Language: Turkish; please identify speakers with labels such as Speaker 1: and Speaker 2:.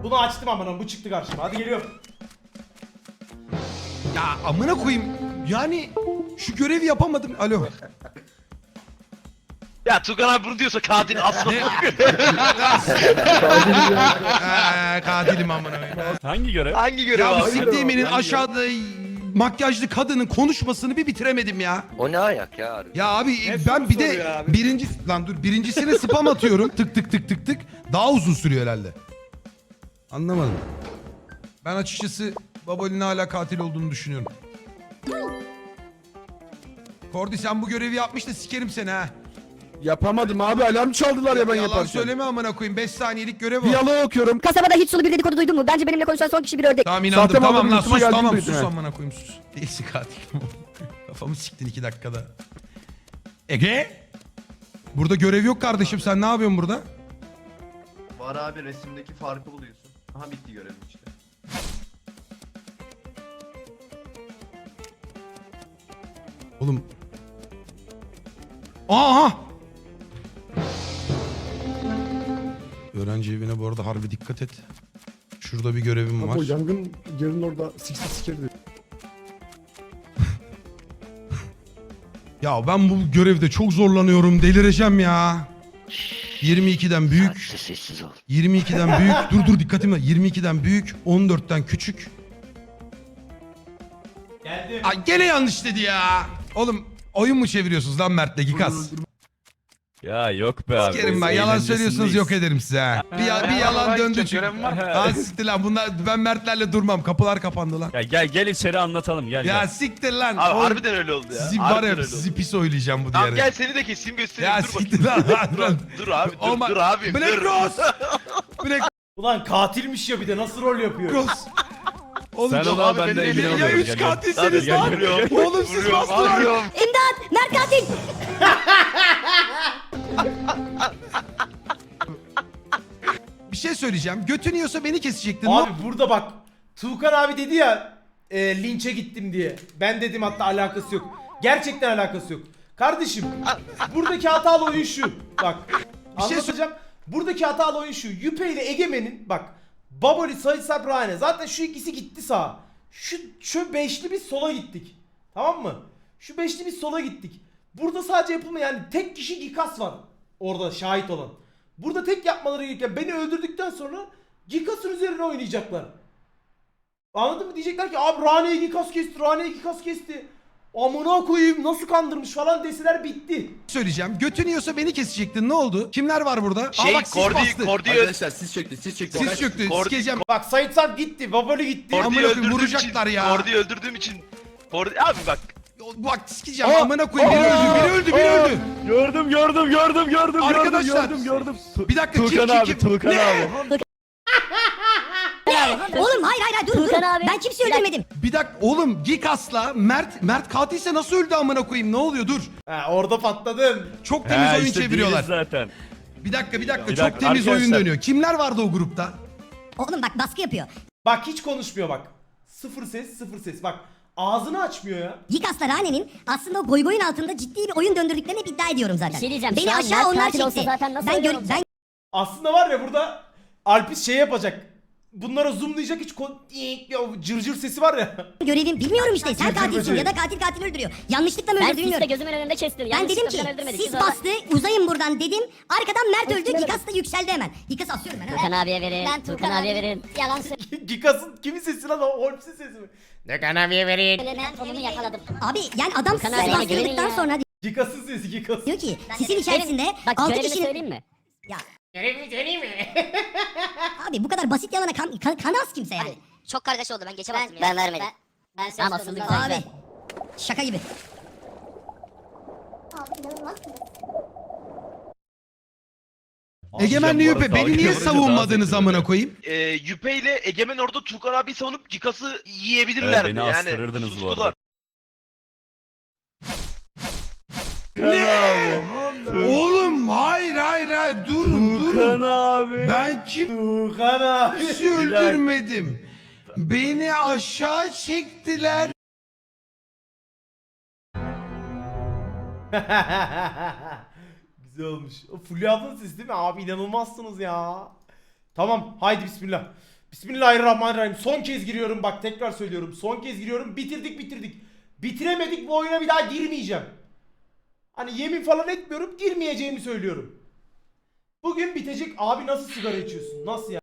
Speaker 1: Bunu açtım amına, bu çıktı karşıma. Hadi geliyorum.
Speaker 2: Ya amına koyayım. Yani şu görevi yapamadım. Alo.
Speaker 3: Ya Tugan abi bunu diyorsa katil asla.
Speaker 2: Katilim amına koyayım.
Speaker 4: Hangi görev?
Speaker 3: Hangi görev
Speaker 2: Ya bu
Speaker 3: abi?
Speaker 2: siktiğiminin aşağıda makyajlı kadının konuşmasını bir bitiremedim ya.
Speaker 5: O ne ayak ya harbi?
Speaker 2: Ya abi ben bir de birincisine spam atıyorum. Tık tık tık tık tık. Daha uzun sürüyor herhalde. Anlamadım. Ben açıkçası Baboli'nin hala katil olduğunu düşünüyorum. Kordi sen bu görevi yapmış da sikerim seni ha.
Speaker 6: Yapamadım abi, alarm çaldılar ya ben
Speaker 2: Yalan
Speaker 6: yaparken.
Speaker 2: söyleme amına koyayım. 5 saniyelik görev o.
Speaker 6: Diyaloğu okuyorum.
Speaker 7: Kasabada hiç sulu bir dedikodu duydun mu? Bence benimle konuşan son kişi bir ördek.
Speaker 2: Tamam inandım.
Speaker 6: Zaten
Speaker 2: Tamam
Speaker 6: adamın
Speaker 2: lan
Speaker 6: üstüme
Speaker 2: sus
Speaker 6: geldiğini
Speaker 2: tamam
Speaker 6: duydum
Speaker 2: sus
Speaker 6: ya.
Speaker 2: amına koyayım sus. Değilsin katil. Kafamı siktin 2 dakikada. Ege? Burada görev yok kardeşim. Sen ne yapıyorsun burada?
Speaker 8: Var abi, resimdeki farkı buluyorsun. Aha bitti görevim işte.
Speaker 2: Oğlum. Aha! Öğrenci evine bu arada harbi dikkat et. Şurada bir görevim var.
Speaker 6: O yangın yerin orada sikerdi.
Speaker 2: Ya ben bu görevde çok zorlanıyorum. Delireceğim ya. 22'den büyük.
Speaker 5: Sessiz ol.
Speaker 2: 22'den büyük. Dur dikkatim var. 22'den büyük. 14'ten küçük.
Speaker 1: Geldim.
Speaker 2: Ay gene yanlış dedi ya. Oğlum oyun mu çeviriyorsunuz lan Mert'le Gikas?
Speaker 4: Ya yok be abi.
Speaker 2: Sikerim ben. Yalan söylüyorsunuz yok ederim size ha. Bir yalan döndü çünkü.
Speaker 3: Görevim var.
Speaker 2: Ha siktir lan bunlar ben Mert'lerle durmam. Kapılar kapandı lan.
Speaker 4: Ya gel içeri anlatalım gel.
Speaker 2: Ya
Speaker 4: gel.
Speaker 2: siktir lan.
Speaker 3: Abi
Speaker 2: Oğlum,
Speaker 3: harbiden öyle oldu ya.
Speaker 2: sizi var
Speaker 3: Harbiden
Speaker 2: ya
Speaker 3: öyle oldu.
Speaker 2: sizi pis oynayacağım bu
Speaker 3: Tamam
Speaker 2: diğeri.
Speaker 3: gel seni de keseyim göstereyim.
Speaker 2: Ya
Speaker 3: Dur
Speaker 2: siktir
Speaker 3: bakayım.
Speaker 2: lan.
Speaker 3: Dur abi
Speaker 2: Olma-
Speaker 3: dur abi.
Speaker 2: Black
Speaker 3: dur.
Speaker 2: Rose. Black
Speaker 1: Ulan katilmiş ya, bir de nasıl rol yapıyor?
Speaker 2: Rose. Oğlum
Speaker 4: Sen
Speaker 2: çok-
Speaker 4: ona
Speaker 3: abi,
Speaker 4: ben de
Speaker 3: beni
Speaker 4: emin
Speaker 3: eliyle
Speaker 2: ya
Speaker 4: oluyorum.
Speaker 2: 3
Speaker 4: Gel, gel.
Speaker 2: katilsiniz
Speaker 4: Gel,
Speaker 2: lan.
Speaker 4: gel, gel.
Speaker 2: Oğlum siz
Speaker 3: Vuruyorum,
Speaker 2: bastılar.
Speaker 3: vuruyorum.
Speaker 7: İmdat! Mert katil!
Speaker 2: Bir şey söyleyeceğim. Götün yiyorsa beni kesecektin.
Speaker 1: Abi burada bak, Tuğkan abi dedi ya linçe gittim diye. Ben dedim hatta alakası yok. Gerçekten alakası yok. Kardeşim buradaki hatalı oyun şu. Bak
Speaker 2: şey
Speaker 1: anlatacağım. Buradaki hatalı oyun şu. Yüpe ile Egemen'in bak Baboli, Sait Sarp, Rane. Zaten şu ikisi gitti sağa. Şu beşli biz sola gittik. Tamam mı? Şu beşli biz sola gittik. Burada sadece yapılmayan yani tek kişi Gikas var. Orada şahit olan. Burada tek yapmaları gereken beni öldürdükten sonra Gikas'ın üzerine oynayacaklar. Anladın mı? Diyecekler ki abi Rane'yi Gikas kesti, Rane'yi Gikas kesti. Amına koyayım nasıl kandırmış falan deseler bitti.
Speaker 2: Söyleyeceğim. Götün yiyorsa beni kesecektin. Ne oldu? Kimler var burada?
Speaker 3: Şey
Speaker 2: bak sis bastı.
Speaker 3: Kordi
Speaker 8: Arkadaşlar siz çöktü, siz çöktü.
Speaker 2: Sis çöktü.
Speaker 3: Kordi-
Speaker 2: Sikeceğim.
Speaker 1: Bak Sait Sarp gitti, Baboli gitti.
Speaker 2: Amına koyayım, vuracaklar ya.
Speaker 3: Kordi'yi öldürdüğüm için. Kordi abi bak.
Speaker 2: Bak sikeceğim. Amına koyayım. Biri öldü. Biri öldü.
Speaker 4: Gördüm.
Speaker 2: Arkadaşlar.
Speaker 4: Gördüm.
Speaker 2: Bir dakika.
Speaker 4: Tuğkan abi, Tuğkan
Speaker 2: Ne?
Speaker 4: abi.
Speaker 7: Oğlum hayır dur. Ben kimseyi öldürmedim.
Speaker 2: Bir dakika. Oğlum Gikas'la Mert katilse nasıl öldü amına koyayım? Ne oluyor? Dur.
Speaker 1: Ha, orada patladın.
Speaker 2: Çok temiz
Speaker 4: He,
Speaker 2: oyun
Speaker 4: işte
Speaker 2: çeviriyorlar.
Speaker 4: değiliz zaten.
Speaker 2: Bir dakika.
Speaker 4: Bir
Speaker 2: Çok
Speaker 4: dakika,
Speaker 2: temiz oyun
Speaker 4: arkadaşlar.
Speaker 2: dönüyor. Kimler vardı o grupta?
Speaker 7: Oğlum bak baskı yapıyor.
Speaker 1: Bak hiç konuşmuyor bak. Sıfır ses. Bak ağzını açmıyor ya.
Speaker 7: Gikas'la Rane'nin aslında o goy goyun altında ciddi bir oyun döndürdüklerini hep iddia ediyorum zaten.
Speaker 9: Bir şey diyeceğim,
Speaker 7: Beni
Speaker 9: şu an
Speaker 7: aşağı
Speaker 9: Mert
Speaker 7: onlar
Speaker 9: katil olsa
Speaker 7: çekti.
Speaker 9: zaten nasıl
Speaker 7: Ben,
Speaker 9: öyle
Speaker 7: gör,
Speaker 9: olacak?
Speaker 7: ben
Speaker 1: Aslında var ya burada Alpis şey yapacak. Bunlara zoomlayacak hiç o cırcır sesi var ya.
Speaker 7: görevim bilmiyorum işte. Sen
Speaker 1: Cırcır
Speaker 7: katilsin
Speaker 1: böceği.
Speaker 7: ya da katil öldürüyor. Yanlışlıkla mı
Speaker 9: Ben
Speaker 7: öldürdü
Speaker 9: siste
Speaker 7: bilmiyorum.
Speaker 9: gözümün önünde kestim.
Speaker 7: Ben dedim ki sis bastı uzayın buradan dedim. Arkadan Mert öldü. Gikas da yükseldi hemen. Gikas asıyorum ben.
Speaker 9: Tuğkan abiye verin.
Speaker 7: Ben
Speaker 9: Tuğkan abiye verin.
Speaker 7: Yalan söylüyorum.
Speaker 1: Gikas'ın kimin sesi lan o? Holmes'in sesi mi?
Speaker 9: Ben onu yakaladım.
Speaker 7: Abi yani adam
Speaker 9: Tuğkan
Speaker 7: sis
Speaker 9: abiye güvenin
Speaker 7: bastırdıktan
Speaker 9: ya.
Speaker 7: sonra
Speaker 1: Gikas'ın sesi Gikas.
Speaker 7: diyor ki sisin içerisinde
Speaker 9: Bak
Speaker 7: 6
Speaker 9: görevimi
Speaker 7: kişinin...
Speaker 9: söyleyeyim mi?
Speaker 7: Ya
Speaker 1: Görevi söyleyeyim mi?
Speaker 7: abi bu kadar basit yalana kanaz kimse yani.
Speaker 9: Çok kardeş oldu ben geçemezdim ya. Ben vermedim. Ben tamam asıldı güzel.
Speaker 7: Abi şaka gibi.
Speaker 2: Egemenli Yüpe beni niye savunmadınız amına koyayım?
Speaker 3: Yüpe ile Egemen orada Tuğkan abi savunup Gikas'ı yiyebilirlerdi.
Speaker 4: Evet, beni
Speaker 3: yani.
Speaker 4: astırırdınız bu arada.
Speaker 3: Sustular.
Speaker 2: Oğlum hayır durun.
Speaker 4: abi.
Speaker 2: Ben
Speaker 1: Tuğkan abi.
Speaker 2: kimse öldürmedim. Beni aşağı çektiler.
Speaker 1: Güzel olmuş. O Fulya ablanın sesi değil mi? Abi inanılmazsınız ya. Tamam haydi bismillah. Bismillahirrahmanirrahim. Son kez giriyorum bak, tekrar söylüyorum. Son kez giriyorum. Bitirdik. Bitiremedik, bu oyuna bir daha girmeyeceğim. Hani yemin falan etmiyorum, girmeyeceğimi söylüyorum. Bugün bitecek. Abi nasıl sigara içiyorsun? Nasıl ya?